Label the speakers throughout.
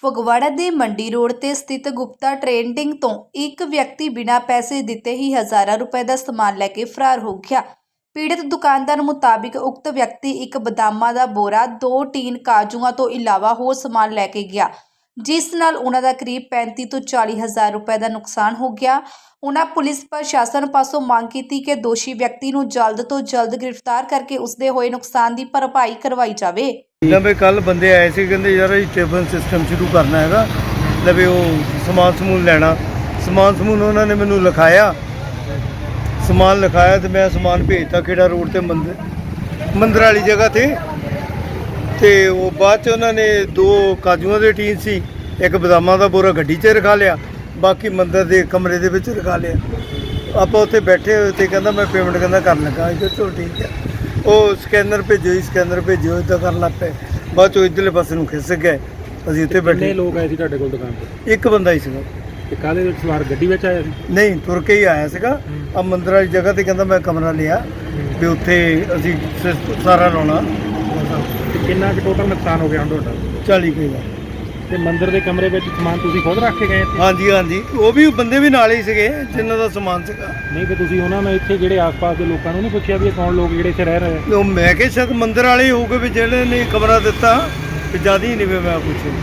Speaker 1: ਫਗਵਾੜਾ ਦੇ ਮੰਡੀ ਰੋਡ ਤੇ ਸਥਿਤ ਗੁਪਤਾ ਟ੍ਰੇਡਿੰਗ ਤੋਂ ਇੱਕ ਵਿਅਕਤੀ ਬਿਨਾਂ ਪੈਸੇ ਦਿੱਤੇ ਹੀ ਹਜ਼ਾਰਾਂ ਰੁਪਏ ਦਾ ਸਮਾਨ ਲੈ ਕੇ ਫਰਾਰ ਹੋ ਗਿਆ। ਪੀੜਤ ਦੁਕਾਨਦਾਰ ਮੁਤਾਬਿਕ ਉਕਤ ਵਿਅਕਤੀ ਇੱਕ ਬਦਾਮਾਂ ਦਾ ਬੋਰਾ, 2 ਟੀਨ ਕਾਜੂਆਂ ਤੋਂ ਇਲਾਵਾ ਹੋਰ ਸਮਾਨ ਲੈ ਕੇ ਗਿਆ, ਜਿਸ ਨਾਲ ਉਹਨਾਂ ਦਾ ਕਰੀਬ 35 ਤੋਂ 40 ਹਜ਼ਾਰ ਰੁਪਏ ਦਾ ਨੁਕਸਾਨ ਹੋ ਗਿਆ। ਉਹਨਾਂ ਪੁਲਿਸ ਪ੍ਰਸ਼ਾਸਨ ਪਾਸੋਂ ਮੰਗ ਕੀਤੀ ਕਿ ਦੋਸ਼ੀ ਵਿਅਕਤੀ ਨੂੰ ਜਲਦ ਤੋਂ ਜਲਦ ਗ੍ਰਿਫਤਾਰ ਕਰਕੇ ਉਸਦੇ ਹੋਏ ਨੁਕਸਾਨ ਦੀ ਭਰਪਾਈ ਕਰਵਾਈ ਜਾਵੇ।
Speaker 2: ਲਵੇ ਕੱਲ ਬੰਦੇ ਆਏ ਸੀ, ਕਹਿੰਦੇ ਯਾਰ ਇਹ ਟਿਫਨ ਸਿਸਟਮ ਸ਼ੁਰੂ ਕਰਨਾ ਹੈਗਾ, ਲਵੇ ਉਹ ਸਮਾਨ ਸਮੂਨ ਲੈਣਾ। ਸਮਾਨ ਸਮੂਨ ਉਹਨਾਂ ਨੇ ਮੈਨੂੰ ਲਿਖਾਇਆ, ਸਮਾਨ ਲਿਖਾਇਆ ਤੇ ਮੈਂ ਸਮਾਨ ਭੇਜਤਾ ਖੇੜਾ ਰੋਡ ਤੇ ਮੰਦਰ ਵਾਲੀ ਜਗ੍ਹਾ ਤੇ ਉਹ ਬਾਅਦ ਚ ਉਹਨਾਂ ਨੇ 2 ਕਾਜੂਆਂ ਦੇ ਟੀਨ ਸੀ, ਇੱਕ ਬਦਾਮਾਂ ਦਾ ਬੋਰਾ ਗੱਡੀ 'ਚ ਰਖਾ ਲਿਆ, ਬਾਕੀ ਮੰਦਰ ਦੇ ਕਮਰੇ ਦੇ ਵਿੱਚ ਰਖਾ ਲਿਆ। ਆਪਾਂ ਉੱਥੇ ਬੈਠੇ ਹੋਏ ਤੇ ਕਹਿੰਦਾ ਮੈਂ ਪੇਮੈਂਟ ਕਰਨ ਲੱਗਾ। ਇਹ ਚਲੋ ਠੀਕ ਹੈ, ਉਹ ਸਕੈਨਰ ਭੇਜੋ ਇੱਦਾਂ ਕਰਨ ਲੱਗ ਪਏ। ਬਾਅਦ ਚੋਂ ਇੱਧਰਲੇ ਪਾਸੇ ਨੂੰ ਖਿਸਕ ਗਏ। ਅਸੀਂ ਉੱਥੇ ਬੈਠੇ।
Speaker 3: ਕਿੰਨੇ ਲੋਕ ਆਏ ਸੀ ਤੁਹਾਡੇ ਕੋਲ ਦੁਕਾਨ ਤੇ?
Speaker 2: ਇੱਕ ਬੰਦਾ ਹੀ ਸੀਗਾ।
Speaker 3: ਤੇ ਕਾਹਦੇ ਵਿੱਚ ਸਵਾਰ ਗੱਡੀ ਵਿੱਚ ਆਇਆ ਸੀ?
Speaker 2: ਨਹੀਂ, ਤੁਰ ਕੇ ਹੀ ਆਇਆ ਸੀਗਾ। ਆ ਮੰਦਰ ਵਾਲੀ ਜਗ੍ਹਾ ਤੇ ਕਹਿੰਦਾ ਮੈਂ ਕਮਰਾ ਲਿਆ ਵੀ ਉੱਥੇ ਅਸੀਂ ਸਾਰਾ ਲਾਉਣਾ।
Speaker 3: ਤੇ ਕਿੰਨਾ ਕੁ ਟੋਟਲ ਨੁਕਸਾਨ ਹੋ ਗਿਆ ਹੁਣ ਤੁਹਾਡਾ?
Speaker 2: 40 ਕੁ ਦਾ।
Speaker 3: ਤੇ ਮੰਦਰ ਦੇ ਕਮਰੇ ਵਿੱਚ ਸਮਾਨ ਤੁਸੀਂ ਖੁਦ ਰੱਖ ਕੇ ਗਏ ਸੀ?
Speaker 2: ਹਾਂਜੀ, ਉਹ ਵੀ ਬੰਦੇ ਵੀ ਨਾਲ ਹੀ ਸੀਗੇ ਜਿਨ੍ਹਾਂ ਦਾ ਸਮਾਨ ਸੀਗਾ।
Speaker 3: ਨਹੀਂ ਤੇ ਤੁਸੀਂ ਉਹਨਾਂ ਨੂੰ ਇੱਥੇ ਜਿਹੜੇ ਆਸ-ਪਾਸ ਦੇ ਲੋਕਾਂ ਨੂੰ ਨਹੀਂ ਪੁੱਛਿਆ ਵੀ ਇਹ ਕੌਣ ਲੋਕ ਜਿਹੜੇ ਇੱਥੇ ਰਹਿ ਰਹੇ ਆ?
Speaker 2: ਉਹ ਮੈਂ ਕਿਹਾ ਸ਼ਾਇਦ ਮੰਦਰ ਵਾਲੇ ਹੀ ਹੋਊਗੇ ਵੀ ਜਿਹੜੇ ਨੇ ਕਮਰਾ ਦਿੱਤਾ, ਤੇ ਜ਼ਿਆਦਾ ਹੀ ਨਹੀਂ ਵੀ ਮੈਂ ਪੁੱਛੇ।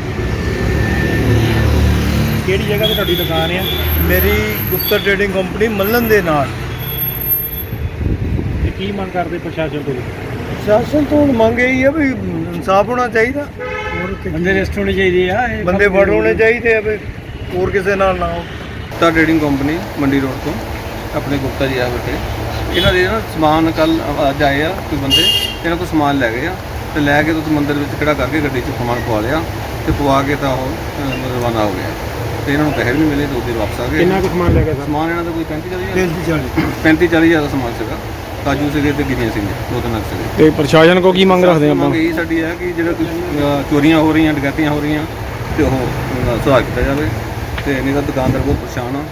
Speaker 3: ਕਿਹੜੀ ਜਗ੍ਹਾ ਤੇ ਤੁਹਾਡੀ ਦੁਕਾਨ ਆ?
Speaker 2: ਮੇਰੀ ਗੁਪਤਾ ਟ੍ਰੇਡਿੰਗ ਕੰਪਨੀ ਮੱਲਣ ਦੇ ਨਾਲ।
Speaker 3: ਤੇ ਕੀ ਮੰਗ ਕਰਦੇ ਪ੍ਰਸ਼ਾਸਨ ਤੋਂ?
Speaker 2: ਪ੍ਰਸ਼ਾਸਨ ਤੋਂ ਮੰਗ ਇਹੀ ਆ ਵੀ ਇਨਸਾਫ ਹੋਣਾ ਚਾਹੀਦਾ।
Speaker 3: ਬੰਦੇ ਅਰੈਸਟ ਹੋਣੇ ਚਾਹੀਦੇ ਆ,
Speaker 2: ਬੰਦੇ ਫੜ ਹੋਣੇ ਚਾਹੀਦੇ ਆ ਵੀ ਹੋਰ ਕਿਸੇ ਨਾਲ ਨਾ ਹੋ।
Speaker 4: Gupta trading company Mandi road ਤੋਂ ਆਪਣੇ ਗੁਪਤਾ ਜੀ ਆ ਬੈਠੇ। ਇਹਨਾਂ ਦੇ ਨਾ ਸਮਾਨ ਕੱਲ ਅੱਜ ਆਏ ਆ ਕੋਈ ਬੰਦੇ, ਇਹਨਾਂ ਕੋਲ ਸਮਾਨ ਲੈ ਗਏ ਆ ਤੇ ਲੈ ਕੇ ਤੁਸੀਂ ਮੰਦਰ ਵਿੱਚ ਖੜਾ ਕਰਕੇ ਗੱਡੀ 'ਚ ਸਮਾਨ ਪਵਾ ਲਿਆ ਤੇ ਪਵਾ ਕੇ ਤਾਂ ਉਹ ਰਵਾਨਾ ਹੋ ਗਿਆ। ਤੇ ਇਹਨਾਂ ਨੂੰ ਪੈਸੇ ਵੀ ਨਹੀਂ ਮਿਲੇ, 2 ਦਿਨ ਵਾਪਸ ਆ ਗਏ।
Speaker 3: ਕਿੰਨਾ ਕੁ ਸਮਾਨ ਲੈ ਗਏ?
Speaker 4: ਸਮਾਨ ਇਹਨਾਂ ਦਾ ਕੋਈ 35-40
Speaker 2: 40
Speaker 4: ਹਜ਼ਾਰ ਦਾ ਸਮਾਨ ਸੀਗਾ। ਕਾਜੂ ਸੀਗੇ ਤੇ ਗਿਰੀਆਂ ਸੀਗੀਆਂ, 2-3 ਲੱਖ ਸੀਗੇ।
Speaker 3: ਤੇ ਪ੍ਰਸ਼ਾਸਨ ਕੋ ਕੀ ਮੰਗ ਰੱਖਦੇ ਆਪਾਂ?
Speaker 4: ਮੰਗ ਇਹੀ ਸਾਡੀ ਹੈ ਕਿ ਜਿਹੜਾ ਕੋਈ ਚੋਰੀਆਂ ਹੋ ਰਹੀਆਂ, ਡਕੈਤੀਆਂ ਹੋ ਰਹੀਆਂ ਤੇ ਉਹ ਸੁਧਾਰ ਕੀਤਾ ਜਾਵੇ। ਤੇ ਨਹੀਂ ਤਾਂ ਦੁਕਾਨਦਾਰ ਬਹੁਤ ਪਰੇਸ਼ਾਨ ਆ।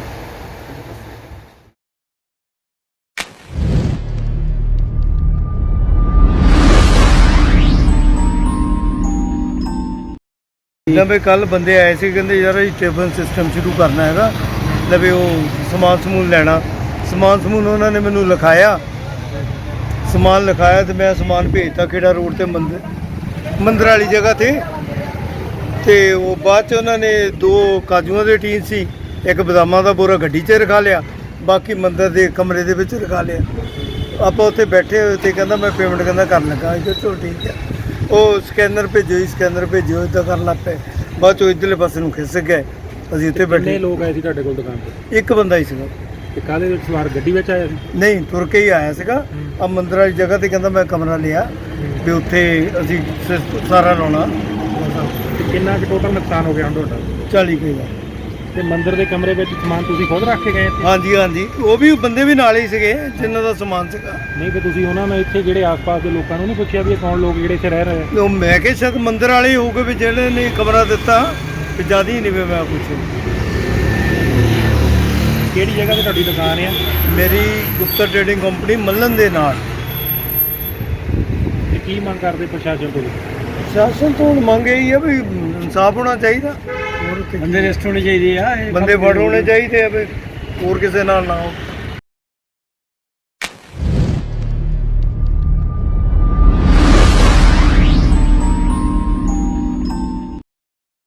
Speaker 2: ਲਵੇ ਕੱਲ ਬੰਦੇ ਆਏ ਸੀ, ਕਹਿੰਦੇ ਯਾਰ ਇਹ ਟਿਫਨ ਸਿਸਟਮ ਸ਼ੁਰੂ ਕਰਨਾ ਹੈਗਾ, ਲਵੇ ਉਹ ਸਮਾਨ ਸਮੂਨ ਲੈਣਾ। ਸਮਾਨ ਸਮੂਨ ਉਹਨਾਂ ਨੇ ਮੈਨੂੰ ਲਿਖਾਇਆ, ਸਮਾਨ ਲਿਖਾਇਆ ਤੇ ਮੈਂ ਸਮਾਨ ਭੇਜਤਾ ਖੇੜਾ ਰੋਡ ਤੇ ਮੰਦਰ ਵਾਲੀ ਜਗ੍ਹਾ ਤੇ ਉਹ ਬਾਅਦ ਚ ਉਹਨਾਂ ਨੇ 2 ਕਾਜੂਆਂ ਦੇ ਟੀਨ ਸੀ, ਇੱਕ ਬਦਾਮਾਂ ਦਾ ਬੋਰਾ ਗੱਡੀ 'ਚ ਰਖਾ ਲਿਆ, ਬਾਕੀ ਮੰਦਰ ਦੇ ਕਮਰੇ ਦੇ ਵਿੱਚ ਰਖਾ ਲਿਆ। ਆਪਾਂ ਉੱਥੇ ਬੈਠੇ ਹੋਏ ਤੇ ਕਹਿੰਦਾ ਮੈਂ ਪੇਮੈਂਟ ਕਰਨ ਲੱਗਾ। ਇਹ ਚਲੋ ਠੀਕ ਹੈ, ਉਹ ਸਕੈਨਰ ਭੇਜੋ ਇੱਦਾਂ ਕਰਨ ਲੱਗ ਪਏ। ਬਾਅਦ ਚੋਂ ਇੱਧਰਲੇ ਪਾਸੇ ਨੂੰ ਖਿਸਕ ਗਏ। ਅਸੀਂ ਉੱਥੇ ਬੈਠੇ।
Speaker 3: ਕਿੰਨੇ ਲੋਕ ਆਏ ਸੀ ਤੁਹਾਡੇ ਕੋਲ ਦੁਕਾਨ ਤੇ?
Speaker 2: ਇੱਕ ਬੰਦਾ ਹੀ ਸੀਗਾ।
Speaker 3: ਤੇ ਕਾਹਦੇ ਵਿੱਚ ਸਵਾਰ ਗੱਡੀ ਵਿੱਚ ਆਇਆ ਸੀ?
Speaker 2: ਨਹੀਂ, ਤੁਰ ਕੇ ਹੀ ਆਇਆ ਸੀਗਾ। ਆ ਮੰਦਰ ਵਾਲੀ ਜਗ੍ਹਾ ਤੇ ਕਹਿੰਦਾ ਮੈਂ ਕਮਰਾ ਲਿਆ ਵੀ ਉੱਥੇ ਅਸੀਂ ਸਾਰਾ ਲਾਉਣਾ।
Speaker 3: ਤੇ ਕਿੰਨਾ ਕੁ ਟੋਟਲ ਨੁਕਸਾਨ ਹੋ ਗਿਆ ਹੁਣ ਤੁਹਾਡਾ?
Speaker 2: 40 ਕੁ ਦਾ।
Speaker 3: ਤੇ ਮੰਦਰ ਦੇ ਕਮਰੇ ਵਿੱਚ ਸਮਾਨ ਤੁਸੀਂ ਖੁਦ ਰੱਖ ਕੇ ਗਏ ਸੀ?
Speaker 2: ਹਾਂਜੀ, ਉਹ ਵੀ ਬੰਦੇ ਵੀ ਨਾਲ ਹੀ ਸੀਗੇ ਜਿਨ੍ਹਾਂ ਦਾ ਸਮਾਨ ਸੀਗਾ।
Speaker 3: ਨਹੀਂ ਤੇ ਤੁਸੀਂ ਉਹਨਾਂ ਨੂੰ ਇੱਥੇ ਜਿਹੜੇ ਆਸ-ਪਾਸ ਦੇ ਲੋਕਾਂ ਨੂੰ ਨਹੀਂ ਪੁੱਛਿਆ ਵੀ ਇਹ ਕੌਣ ਲੋਕ ਜਿਹੜੇ ਇੱਥੇ ਰਹਿ ਰਹੇ ਆ?
Speaker 2: ਉਹ ਮੈਂ ਕਿਹਾ ਸ਼ਾਇਦ ਮੰਦਰ ਵਾਲੇ ਹੀ ਹੋਊਗੇ ਵੀ ਜਿਹੜੇ ਨੇ ਕਮਰਾ ਦਿੱਤਾ, ਤੇ ਜ਼ਿਆਦਾ ਹੀ ਨਹੀਂ ਵੀ ਮੈਂ ਪੁੱਛੇ।
Speaker 3: ਕਿਹੜੀ ਜਗ੍ਹਾ ਤੇ ਤੁਹਾਡੀ ਦੁਕਾਨ ਆ?
Speaker 2: ਮੇਰੀ ਗੁਪਤਾ ਟ੍ਰੇਡਿੰਗ ਕੰਪਨੀ ਮੱਲਣ ਦੇ ਨਾਲ।
Speaker 3: ਤੇ ਕੀ ਮੰਗ ਕਰਦੇ ਪ੍ਰਸ਼ਾਸਨ ਤੋਂ?
Speaker 2: ਪ੍ਰਸ਼ਾਸਨ ਤੋਂ ਮੰਗ ਇਹੀ ਆ ਵੀ ਇਨਸਾਫ ਹੋਣਾ ਚਾਹੀਦਾ।
Speaker 3: ਬੰਦੇ ਅਰੈਸਟ ਹੋਣੇ ਚਾਹੀਦੇ ਆ,
Speaker 2: ਬੰਦੇ ਫੜ ਹੋਣੇ ਚਾਹੀਦੇ ਆ ਵੀ ਹੋਰ ਕਿਸੇ ਨਾਲ ਨਾ ਹੋ।